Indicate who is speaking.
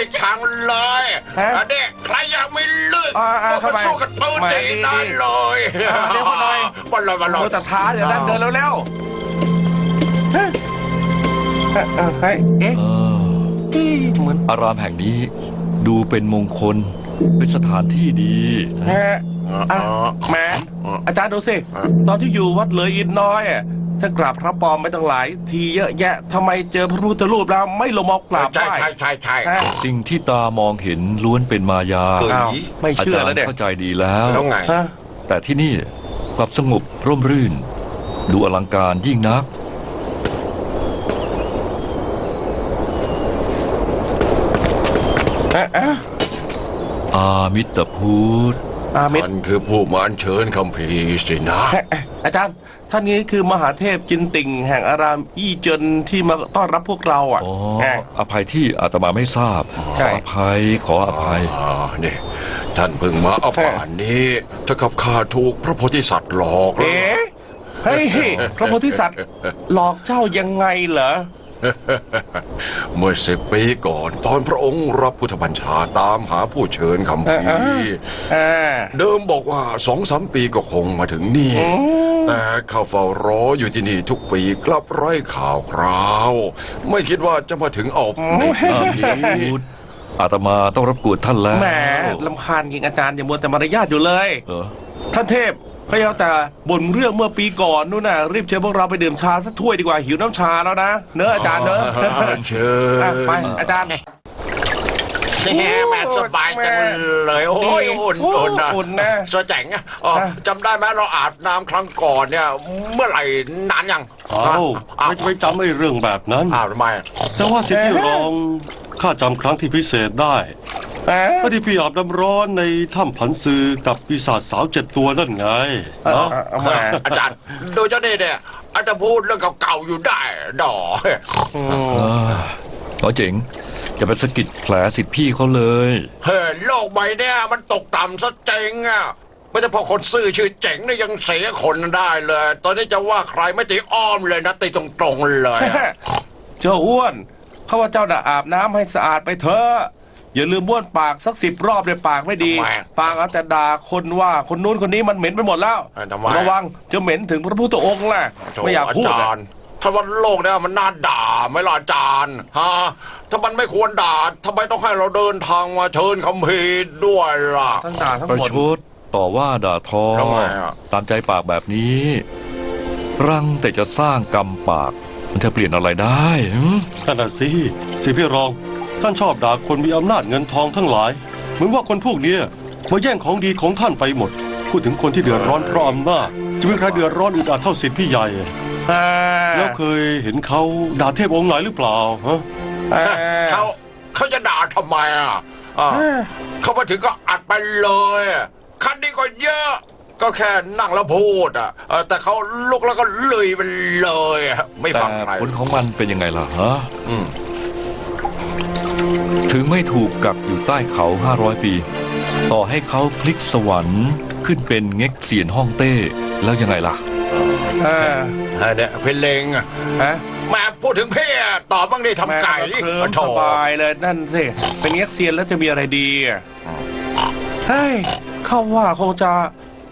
Speaker 1: ชังเลยเด็กใครยังไม่เลิกก็มาสู้กันปืนจีนได้เลย
Speaker 2: เดี๋ยวคนหน่อย
Speaker 1: บอลเลยบอลเลย
Speaker 2: แต่ท้าอย่างนั้นเดินเร็วๆเอ๊ะเหมือน
Speaker 3: อารามแห่งนี้ดูเป็นมงคลเป็นสถานที่ดี
Speaker 2: แหมอาจารย์ดูสิตอนที่อยู่วัดเหลยอินน้อยถ้ากราบพระปลอมไปตั้งหลายทีเยอะแยะทำไมเจอพระพุทธรูปแล้วไม่ลงมากราบไหว้
Speaker 1: ใช่
Speaker 3: สิ่งที่ตามองเห็นล้วนเป็นมายา
Speaker 2: ไม่เชื่อแล้วเนี่ย
Speaker 3: เข้าใจดีแล้ว
Speaker 1: ไง
Speaker 3: แต่ที่นี่กลับสงบร่มรื่นดูอลังการยิ่งนักอามิตรพุทธ
Speaker 1: ท่านคือผู้มาอัญเชิญคัมภีร์สินะ
Speaker 2: อาจารย์ท่านนี้คือมหาเทพจินติ่งแห่งอารามอี้เจินที่มาต้อนรับพวกเรา
Speaker 3: อภัยที่อาตมาไม่ทราบขออภัย
Speaker 1: นี่ท่านเพิ่งมาป่านนี้ถ้ากับข้าถูกพระโพธิสัตว์หลอก
Speaker 2: เฮ้ยพระโพธิสัตว์หลอกเจ้ายังไงเหรอ
Speaker 1: เมื่อ10 ปีก่อนตอนพระองค์รับพุทธบัญชาตามหาผู้เชิญคัมภีร์เดิมบอกว่า2-3 ปีก็คงมาถึงนี่แต่ข้าเฝ้ารออยู่ที่นี่ทุกปีกลับไร้ข่าวคราวไม่คิดว่าจะมาถึงในปีนี้
Speaker 3: อาตมาต้องรบกวนท่านแล้ว
Speaker 2: แหมรำคาญจริงอาจารย์อย่ามัวแต่มารยาทอยู่เลยท่านเทพพระเยาแต่บ่นเรื่องเมื่อปีก่อนนู่นน่ะรีบเชิญพวกเราไปดื่มชาสักถ้วยดีกว่าหิวน้ำชาแล้วนะเนอะอาจารย์เนอะ
Speaker 1: เชิญ
Speaker 2: ไปอาจารย์
Speaker 1: แม่สบายจังเลยโอ้ยอุ่นนะสวยแจ๋งจำได้ไหมเราอาบน้ำครั้งก่อนเนี่ยเมื่อไหร่นานยัง
Speaker 4: ไม่จำไม่เรื่องแบบนั้น
Speaker 1: ทำไม
Speaker 4: แต่ว่าสิ่งที่ลองข้าจำครั้งที่พิเศษได้ก็ที่พี่อาบน้ำร้อนในถ้ำผันซือกับปีศาจสาว7 ตัวนั่นไง
Speaker 1: อาจารย์โดยเจ้าเนี่ยอาจจะพูดเรื่องเก่าๆอยู่ได้ดอ
Speaker 3: เจ๋งจะไปสะกิดแผลสิทธิพี่เขาเลย
Speaker 1: โลกใบเนี่ยมันตกต่ำซะเจ๋งอ่ะไม่ใช่พอคนซื่อชื่อเจ๋งเนี่ยยังเสียคนได้เลยตอนนี้จะว่าใครไม่ตีอ้อมเลยนะตีตรงๆเลย
Speaker 2: เจ้าอ้วนเขาว่าเจ้าน่ะอาบน้ำให้สะอาดไปเถอะอย่าลืมบ้วนปากสัก10 รอบเลยปากไม่ดีปากเอาแต่ด่าคนว่าคนนู้นคนนี้มันเหม็นไปหมดแล้วระวังจะเหม็นถึงพระพุทธองค์แหละไม่อยากพูด
Speaker 1: ถ้าวันโลกเนี่ยมันน่าด่าไม่ล่ะอาจารย์ฮะถ้ามันไม่ควรด่าทำไมต้องให้เราเดินทางมาเชิญคัมภีร์ด้วยล่ะ
Speaker 2: ทั้งด่าทั้ง
Speaker 3: ประชดต่อว่าด่าทอตามใจปากแบบนี้รังแต่จะสร้างกรรมปากมันจะเปลี่ยนอะไรได้
Speaker 4: นั่นน่ะสิพี่รองท่านชอบด่าคนมีอำนาจเงินทองทั้งหลายเหมือนว่าคนพวกนี้มาแย่งของดีของท่านไปหมดพูดถึงคนที่เดือดร้อนเพราะอำนาจจะมีใครเดือดร้อนอึดอัดเท่าสิทธิพี่ใหญ่แล้วเคยเห็นเขาด่าเทพองค์ไหนหรือเปล่าฮะ
Speaker 1: เขาจะด่าทำไมเขามาถึงก็อัดไปเลยคันนี้ก็เยอะก็แค่นั่งแล้วพูดแต่เขาลุกแล้วก็เลยไปเลยไม่ฟังใคร
Speaker 3: ผลของมันเป็นยังไงล่ะฮะถึงไม่ถูกกักอยู่ใต้เขา500 ปีต่อให้เขาพลิกสวรรค์ขึ้นเป็นเง็กเซียนฮ่องเต้แล้วยังไงล่ะ
Speaker 1: เนี่ยเพลงมาพูดถึงเพ่ตอบบ้างดิทำไก่
Speaker 2: สบายเลยนั่นสิเป็นเง็กเซียนแล้วจะมีอะไรดีเฮ้ยเข้าว่าคงจะ